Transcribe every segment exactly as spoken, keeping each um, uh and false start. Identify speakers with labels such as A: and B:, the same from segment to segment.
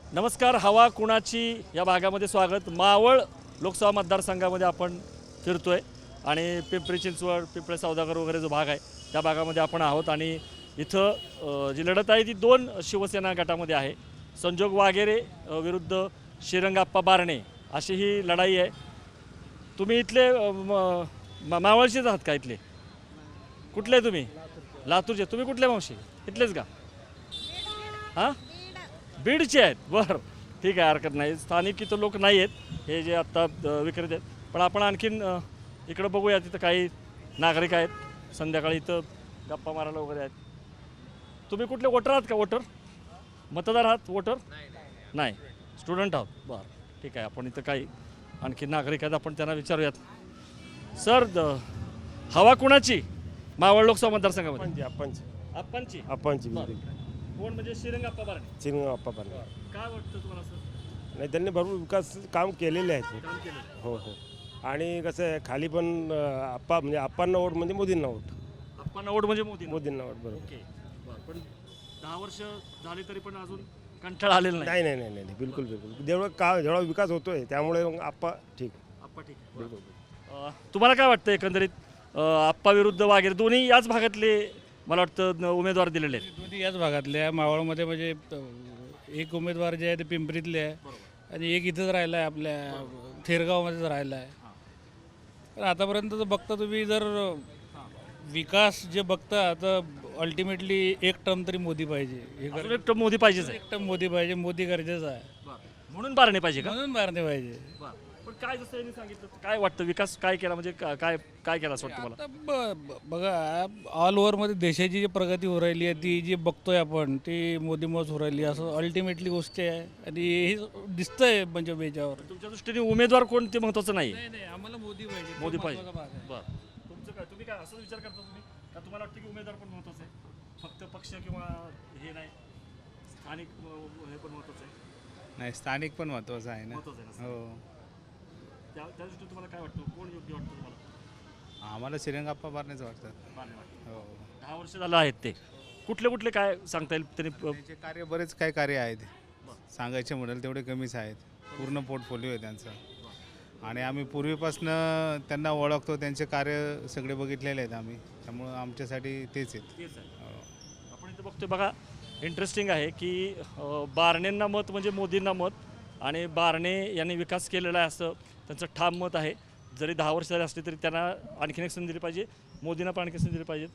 A: नमस्कार. हवा कुणाची या भागामध्ये स्वागत. मावळ लोकसभा मतदारसंघामध्ये आपण फिरतोय आणि पिंपरी चिंचवड, पिंपळे सौदागर वगैरे जो भाग आहे त्या भागामध्ये आपण आहोत आणि इथं अ, जी लढत आहे ती दोन शिवसेना गटामध्ये आहे. संजोग वागेरे अ, विरुद्ध श्रीरंगाप्पा बारणे अशी ही लढाई आहे. तुम्ही इथले अ, म- मा- मावळचेच आहात का? इथले कुठले तुम्ही? लातूरचे. तुम्ही कुठले मावशी? इथलेच का? हां, बीडचे आहेत. बरं, ठीक आहे, हरकत नाही. स्थानिक इथं लोक नाही आहेत हे जे आत्ता अ, विक्रेते आहेत. पण आपण आणखीन अ, इकडं बघूया. तिथं काही नागरिक आहेत संध्याकाळी इथं गप्पा मारायला वगैरे आहेत. तुम्ही कुठले वोटर आहात का? वोटर मतदार आहात? वोटर नाही, स्टुडंट आहात. बरं, ठीक आहे. आपण इथं काही आणखी नागरिक आहेत, आपण त्यांना विचारूयात. सर, द- हवा कुणाची मावळ लोकसभा मतदारसंघामध्ये?
B: आपणची
A: आपणची.
B: आपणची
A: बरं. कोण म्हणजे श्रीरंगाप्पा बारणे?
B: चिरंग आप्पा पाटील.
A: काय वाटतं तुम्हाला सर?
B: नाही, त्यांनी भरपूर विकास काम केलेले आहेत.
A: काम केलं.
B: हो हो. आणि कसं आहे, खाली पण अं, आप्पा म्हणजे आप्पांना वोट म्हणजे मोदींना वोट.
A: आपण ओढ म्हणजे मोदी.
B: मोदींना वोट बरोबर.
A: ओके, बरं. पण दहा वर्ष झाली तरी पण अजून कंटाळा आलेला नाही.
B: नाही नाही नाही नाही नाही, बिलकुल बिलकुल. जेवढं का जेवढा विकास होतोय त्यामुळे मग आप्पा ठीक.
A: आप्पा ठीक आहे.
B: बिलकुल.
A: अं, तुम्हाला काय वाटतं एकंदरीत? अं, आप्पा विरुद्ध वगैरे दोन्ही याच भागातले मला वाटतं न- उमेदवार दिलेले आहेत.
C: दोन्ही याच भागातले आहे. मावळमध्ये म्हणजे अ, एक उमेदवार जे आहे ते पिंपरीतले आहे आणि एक इथंच राहिला आहे, आपल्या थेरगावमध्येच राहिला आहे. पण आतापर्यंत जर बघता तुम्ही, जर विकास जे बघता तर अल्टिमेटली एक टर्म तरी मोदी पाहिजे. हे
A: अजून
C: गर-
A: एक टर्म मोदी पाहिजेच आहे.
C: एक टर्म मोदी पाहिजे. मोदी गरजेचं आहे,
A: म्हणून बारणे पाहिजे का?
C: म्हणून मारणे पाहिजे.
A: पण काय जसं यांनी सांगितलं, काय वाटतं विकास काय केला म्हणजे का- काय काय केला असं वाटतं मला?
C: आता ब- ब- बघा, ऑल ओव्हरमध्ये देशाची जी प्रगती हो राहिली आहे ती जी बघतोय आपण, ती मोदीमुळेच हो राहिली असं अल्टिमेटली गोष्ट आहे आणि हे दिसतंय म्हणजे याच्यावर.
A: तुमच्या दृष्टीने उमेदवार कोण ते महत्त्वाचं नाही?
C: नाही नाही, आम्हाला मोदी पाहिजे. तो
A: मोदी पाहिजे.
C: महत्त्वाचा भाग आहे.
A: बरं. तुमचं काय, तुम्ही काय असं विचार करता तुम्ही का तुम्हाला वाटतं की उमेदवार पण महत्त्वाचं आहे? फक्त पक्ष किंवा हे नाही, स्थानिक अं, हे पण महत्त्वाचं आहे?
D: नाही, स्थानिक पण महत्त्वाचं आहे ना.
A: महत्त्वाचं आहे ना?
D: हो,
A: त्या त्या दृष्टीने तुम्हाला काय वाटतं, कोण योग्य वाटतं तुम्हाला?
D: आम्हाला श्रीरंगाप्पा बारनेच वाटतात.
A: बारणे वाटतं.
D: हो,
A: दहा वर्ष झालं आहेत ते. कुठले कुठले काय सांगता येईल त्यांनी? अं,
D: त्यांचे कार्य बरेच काही कार्य आहेत, सांगायचे म्हणाल तेवढे कमीच आहेत. पूर्ण पोर्टफोलिओ आहे त्यांचा आणि आम्ही पूर्वीपासनं त्यांना ओळखतो. त्यांचे कार्य सगळे बघितलेले आहेत आम्ही, त्यामुळं आमच्यासाठी तेच आहेत.
A: तेच आहे.
D: हो.
A: आपण इथं बघतोय बघा, इंटरेस्टिंग आहे की अं, बारणेंना मत म्हणजे मोदींना मत आणि बारणे यांनी विकास केलेला आहे असं त्यांचं ठाम मत आहे. जरी दहा वर्ष झाली असली तरी त्यांना आणखीन एक संधी दिली पाहिजे, मोदींना पण आणखी संधी दिली पाहिजे.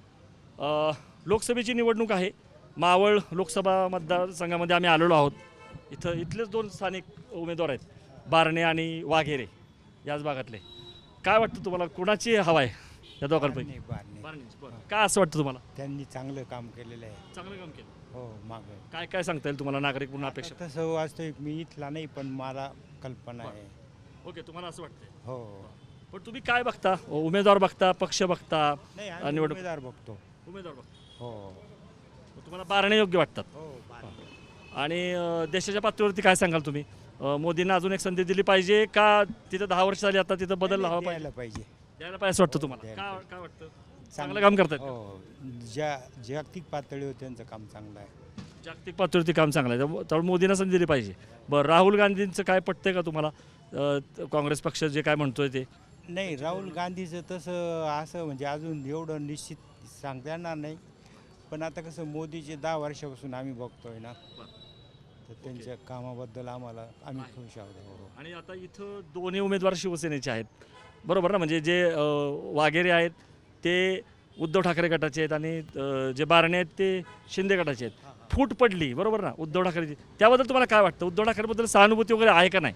A: अं, लोकसभेची निवडणूक आहे. मावळ लोकसभा मतदारसंघामध्ये आम्ही आलेलो आहोत. इथं इथलेच दोन स्थानिक उमेदवार आहेत, बारणे आणि वाघेरे, याच भागातले. काय वाटतं तुम्हाला, कोणाची हवा आहे या दोघांपैकी?
E: बारणे.
A: बारणेंची. बरं. काय असं वाटतं तुम्हाला?
E: त्यांनी चांगलं काम केलेलं आहे.
A: चांगलं काम केलं.
E: हो, मागं
A: काय काय सांगता येईल तुम्हाला नागरिक म्हणून अपेक्षा?
E: आता तसं वास्तविक मी इथला नाही, पण मला कल्पना आहे.
A: ओके, तुम्हाला असं वाटतंय.
E: हो.
A: पण तुम्ही काय बघता? उमेदवार बघता, पक्ष बघता,
E: नाही,
A: आणि
E: आम्ही
A: निवडणूक-
E: उमेदवार बघतो.
A: उमेदवार बघता.
E: हो
A: मग तुम्हाला बारणे योग्य वाटतात.
E: हो. बारणे.
A: आणि अं, देशाच्या पातळीवरती काय सांगाल तुम्ही? अं, मोदींना अजून एक संधी दिली पाहिजे का तिथं दहा वर्ष झाली आता तिथं बदल हवा पाहिजे?
E: द्यायला पाहिजे.
A: द्यायला पाहिजे असं वाटतं तुम्हाला?
E: द्यायला
A: काय
E: पाहिजे.
A: काय वाटतं? चांगलं काम करतात.
E: हो, ज्या जागतिक पातळीवर त्यांचं काम चांगलं आहे.
A: जागतिक पातळीवरती काम चांगलं आहे, त्यामुळे त्यामुळे मोदींना संधी दिली पाहिजे. बरं, राहुल गांधींचं काय पटतंय का तुम्हाला? अं, काँग्रेस पक्ष जे काय म्हणतोय ते?
E: नाही, राहुल गांधीचं तसं असं म्हणजे अजून एवढं निश्चित सांगता येणार नाही. पण आता कसं मोदीचे दहा वर्षापासून आम्ही बघतोय ना, तर त्यांच्या कामाबद्दल आम्हाला आम्ही खुश आहोत. हो.
A: आणि आता इथं दोन्ही उमेदवार शिवसेनेचे आहेत, बरोबर ना? म्हणजे जे अं, वाघेरे आहेत ते उद्धव ठाकरे गटाचे आहेत आणि अं, जे बारणे आहेत ते शिंदे गटाचे आहेत. फूट पडली, बरोबर ना, उद्धव ठाकरेची. त्याबद्दल तुम्हाला काय वाटतं? उद्धव ठाकरेबद्दल सहानुभूती वगैरे आहे का नाही?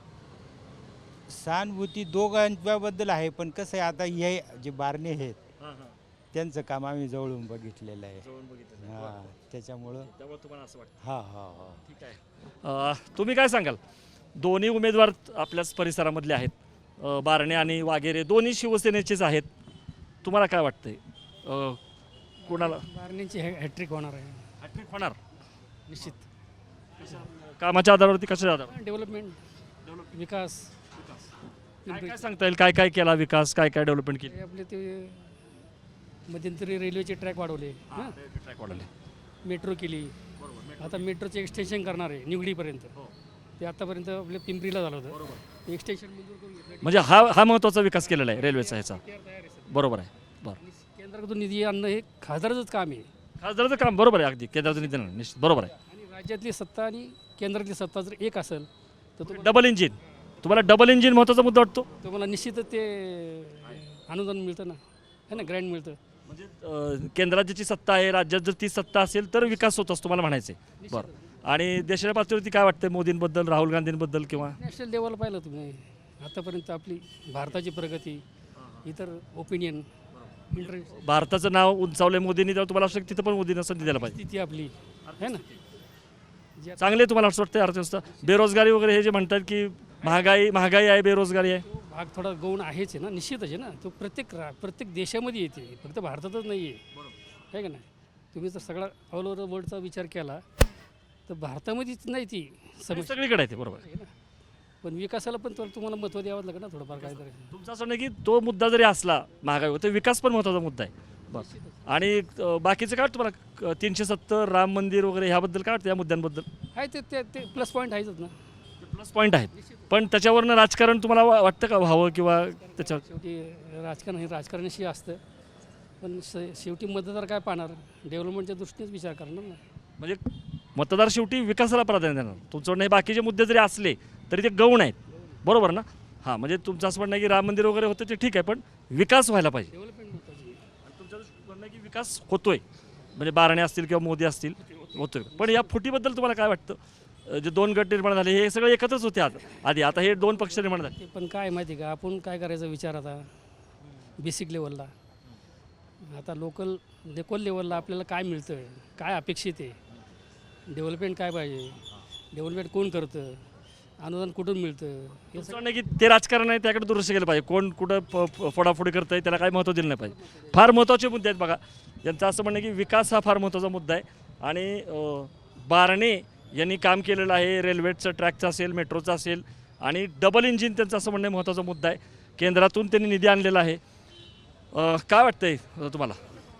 E: सहानुभूती दोघांच्याबद्दल आहे, पण कसं आहे आता हे जे बारणे आहेत त्यांचं काम आम्ही जवळून बघितलेलं आहे. हां, त्याच्यामुळं
A: त्यामुळे तुम्हाला असं वाटतं.
E: हां हां हां.
A: ठीक आहे. अं, तुम्ही काय सांगाल? दोन्ही उमेदवार आपल्याच परिसरामधले आहेत, अं, बारणे आणि वाघेरे, दोन्ही शिवसेनेचेच आहेत. तुम्हाला काय वाटतंय? अं, कोणाला
F: बारणेंची हॅ हॅट्रिक होणार आहे
A: हॅट्रिक होणार?
F: निश्चित.
A: कामाच्या आधारावरती, कशाच्या आधारावर?
F: डेव्हलपमेंट, विकास.
A: काय काय सांगता येईल? काय काय केला विकास, काय काय डेव्हलपमेंट केली?
F: हे आपले ते मध्यंतरी रेल्वेचे ट्रॅक वाढवले, हां,
A: ट्रॅक वाढवले.
F: मेट्रो केली, आता मेट्रोचे एक्सटेन्शन करणार आहे निवडीपर्यंत ते आतापर्यंत आपल्या पिंपरीला झालं होतं एक्सटेन्शन मंजूर करून घेतलं
A: म्हणजे हा हा महत्त्वाचा विकास केलेला आहे रेल्वेचा ह्याचा
F: तयार आहे सर.
A: बरोबर आहे बरं
F: आणि केंद्राकडून निधी आणणं हे खासदाराचंच काम आहे
A: खासदाराचं काम बरोबर आहे अगदी केंद्राचं निधी नाही, निश्चित बरोबर आहे
F: आणि राज्यातली सत्ता आणि केंद्रातली सत्ता जर एक असेल तर तुम्हाला
A: डबल इंजिन तुम्हाला डबल इंजिन महत्त्वाचा मुद्दा वाटतो
F: तुम्हाला निश्चितच ते अनुदान मिळतं ना है ना ग्रँड मिळतं
A: म्हणजे अं, केंद्रात ज्याची सत्ता आहे राज्यात जर ती सत्ता असेल तर विकास होत असतो मला म्हणायचं आहे बरं आणि देशाच्या पातळीवरती काय वाटतंय मोदींबद्दल राहुल गांधींबद्दल किंवा
F: नॅशनल लेवलला पाहिलं तुम्ही आतापर्यंत आपली भारताची प्रगती इतर ओपिनियन इंटरेस्ट
A: भारताचं नाव उंचावलंय मोदींनी तेव्हा तुम्हाला असं वाटतं तिथं पण मोदींना संधी द्यायला पाहिजे
F: स्थिती आपली है ना जे
A: चांगले तुम्हाला असं वाटतं अर्थव्यवस्था बेरोजगारी वगैरे हे जे म्हणतात की महागाई महागाई आहे बेरोजगारी आहे
F: तो भाग थोडा गौण आहेच आहे ना निश्चितच आहे ना तो प्रत्येक रा प्रत्येक देशामध्ये येते फक्त भारतातच नाही आहे आहे का नाही तुम्ही जर सगळा ऑल ओव्हर वर्ल्डचा विचार केला तर भारतामध्येच नाही ती
A: हे
F: समस्या
A: सगळीकडे आहे ते बरोबर
F: आहे ना पण विकासाला पण तर तुम्हाला महत्त्व द्यावं लागेल ना थोडंफार काहीतरी
A: तुमचं असं नाही की तो मुद्दा जरी असला महागाई तर विकास पण महत्त्वाचा मुद्दा आहे बरं आणि अं, बाकीचं काय वाटतं तुम्हाला अं, तीनशे सत्तर राम मंदिर वगैरे ह्याबद्दल काय वाटतं या मुद्द्यांबद्दल
F: आहे ते ते ते प्लस पॉईंट आहेच ना
A: प्लस पॉईंट आहेत पण त्याच्यावरनं राजकारण तुम्हाला वा- वाटतं का व्हावं किंवा त्याच्यावर
F: शेवटी राजकारण हे राजकारणाशी असतं पण श शेवटी मतदार काय पाहणार डेव्हलपमेंटच्या दृष्टीनेच विचार करणार ना
A: म्हणजे मतदार शेवटी विकासाला प्राधान्य देणार तुमचं म्हणणं हे बाकीचे मुद्दे जरी असले तरी ते गौण आहेत बरोबर ना हां म्हणजे तुमचं असं म्हणणं आहे की राम मंदिर वगैरे होतं ते ठीक आहे पण विकास व्हायला पाहिजे
F: डेव्हलपमेंट महत्त्वाची आहे.
A: आणि तुमचं म्हणणं आहे की विकास होतोय म्हणजे बारणे असतील किंवा मोदी असतील होतोय पण या फुटीबद्दल तुम्हाला काय वाटतं अं, जे दोन गट निर्माण झाले हे सगळे एकत्रच होते आता आधी आता हे दोन पक्ष निर्माण झाले
F: ते पण काय माहिती का आपण काय करायचा विचार आता बेसिक लेवलला आता लोकल लोकल लेवलला आपल्याला काय मिळतं आहे काय अपेक्षित आहे डेव्हलपमेंट काय पाहिजे डेव्हलपमेंट कोण करतं अनुदान कुठून मिळतं हे
A: तुमचं म्हणणं आहे की ते राजकारण आहे त्याकडे दुर्लक्ष केलं पाहिजे कोण कुठं फ- फ- फोडाफोडी करतंय त्याला काय महत्त्व दिलं नाही पाहिजे फार महत्त्वाचे मुद्दे आहेत बघा यांचं असं म्हणणं आहे की विकास हा फार महत्त्वाचा मुद्दा आहे आणि अं, बारणे यांनी काम केलेलं आहे रेल्वेचं ट्रॅकचं असेल मेट्रोचं असेल आणि डबल इंजिन त्यांचं असं म्हणणं आहे महत्त्वाचा मुद्दा आहे केंद्रातून त्यांनी निधी आणलेला आहे अं, काय वाटतंय अं, तुम्हाला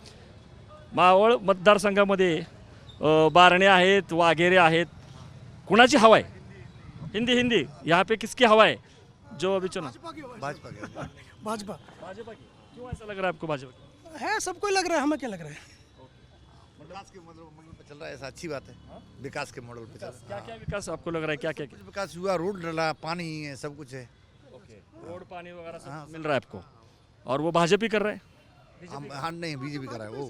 A: मावळ मतदारसंघामध्ये अं, बारणे आहेत वाघेरे आहेत कुणाची हवा आहे हिंदी हिंदी यहाँ पे किसकी हवा है जो अभी चुना
G: भाजपा के
H: भाजपा
A: भाजपा की क्यों ऐसा लग रहा है आपको भाजपा की
H: है सबको ही लग रहा है हमें क्या लग रहा है
G: विकास के मॉडल मॉडल पे चल रहा है ऐसा अच्छी बात है विकास के मॉडल पे चल रहा
A: क्या क्या विकास आपको लग रहा है क्या क्या
G: है विकास हुआ रोड डला पानी है सब कुछ है
A: ओके रोड पानी वगैरह सब
G: हाँ,
A: मिल रहा है आपको और वो भाजपा ही कर रहा है
G: हम हाँ नहीं बीजेपी कर रहा है वो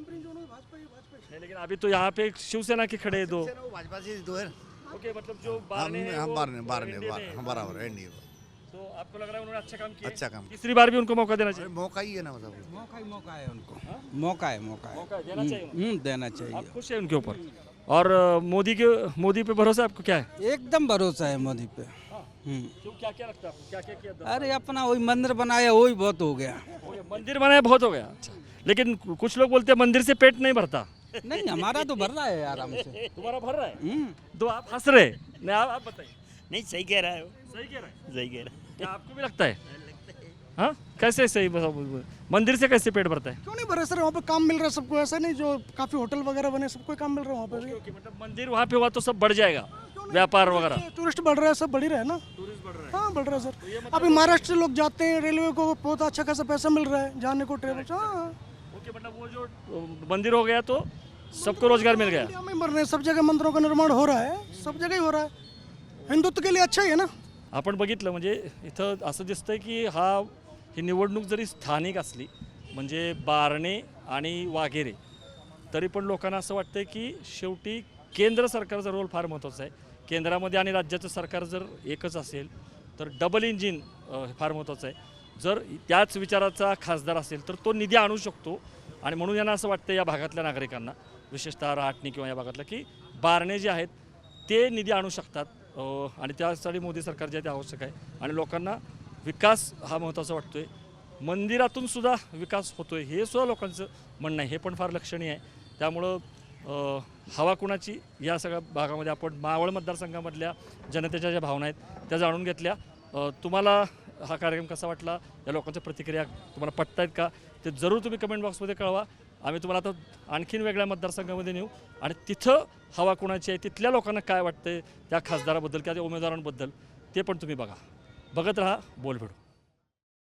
A: नहीं लेकिन अभी तो यहाँ पे शिवसेना के खड़े हैं दो
G: वो भाजपा से दो है
A: ओके मतलब जो
G: हम
A: बारने हैं
G: हम
A: वो
G: बारह बारह
A: एनडीए में
G: बारह
A: हैं।
G: हम बराबर है नहीं
A: तो आपको लग रहा है उन्होंने अच्छा काम किया है?
G: अच्छा काम
A: तीसरी बार भी उनको मौका देना
G: अरे
A: चाहिए
G: मौका ही है ना मतलब
E: मौका ही मौका है उनको मौका है मौका है
A: मौका देना चाहिए उनको।
E: हम्म, देना चाहिए
A: आप खुश हैं उनके ऊपर और अ, मोदी के मोदी पे भरोसा आपको क्या है
E: एकदम भरोसा है मोदी पे हम्म।
A: क्यों क्या क्या लगता है आपको क्या क्या किया दस
E: अरे अपना वही मंदिर बनाया वही बहुत हो गया
A: ओके, मंदिर बनाया बहुत हो गया अच्छा लेकिन कुछ लोग बोलते हैं मंदिर से पेट नहीं भरता
E: नहीं हमारा तो भर रहा है आराम से
A: तुम्हारा भर रहा है
E: हम्म।
A: तो आप हंस रहे नहीं आप, आप बताइए
I: नहीं सही कह रहा है वो
A: सही कह रहे हैं
I: सही कह रहा
A: क्या आपको भी लगता है हाँ कैसे सही बताओ, मंदिर से कैसे पेट भरता है
H: क्यों नहीं भरे सर वहाँ पे काम मिल रहा है सबको ऐसा नहीं जो काफी होटल वगैरह बने सबको ही काम मिल रहा है वहाँ पे भी
A: ओके, मतलब मंदिर वहाँ पे हुआ तो सब बढ़ जाएगा व्यापार वगैरह
H: टूरिस्ट बढ़ रहा है सब बढ़ ही रहा है ना
A: टूरिस्ट बढ़ रहा है
H: हाँ बढ़ रहा है सर अभी महाराष्ट्र से लोग जाते हैं रेलवे को बहुत अच्छा खासा पैसा मिल रहा है जाने को ट्रेवल हाँ
A: ओके मतलब वो जो अ, मंदिर हो गया तो सबको रोजगार मिल गया
H: इंडिया में मर रहे हैं सब जगह मंदिरों का निर्माण हो रहा है सब जगह ही हो रहा है हिंदुत्व के लिए अच्छा ही है ना
A: आपण बघितलं म्हणजे इथं असं दिसतंय की हा ही निवडणूक जरी स्थानिक असली म्हणजे बारणे आणि वाघेरे तरी पण लोकांना असं वाटतंय की शेवटी केंद्र सरकारचा रोल फार महत्त्वाचा आहे केंद्रामध्ये आणि राज्याचं सरकार जर एकच असेल तर डबल इंजिन अ, फार महत्त्वाचं आहे जर त्याच विचाराचा खासदार असेल तर तो निधी आणू शकतो आणि म्हणून यांना असं वाटतं या भागातल्या नागरिकांना विशेषतः रहाटणी किंवा या भागातल्या की बारणे जे आहेत ते निधी आणू शकतात अ, आणि त्यासाठी मोदी सरकार जे आहे ते आवश्यक आहे आणि लोकांना विकास हा महत्त्वाचा वाटतोय मंदिरातून सुद्धा विकास होतोय हे सुद्धा लोकांचं म्हणणं आहे हे पण फार लक्षणीय आहे त्यामुळं अ, हवा कुणाची या सगळ्या भागामध्ये आपण मावळ मतदारसंघामधल्या जनतेच्या ज्या भावना आहेत त्या जाणून घेतल्या अ, तुम्हाला हा कार्यक्रम कसा वाटला या लोकांच्या प्रतिक्रिया तुम्हाला पटतायत का ते जरूर तुम्ही कमेंट बॉक्समध्ये कळवा आम्ही तुम्हाला आता आणखीन वेगळ्या मतदारसंघामध्ये नेऊ आणि तिथं हवा कोणाची आहे, तिथल्या लोकांना काय वाटतंय त्या खासदाराबद्दल किंवा त्या उमेदवारांबद्दल ते पण तुम्ही बघा. बघत राहा बोलभेडू.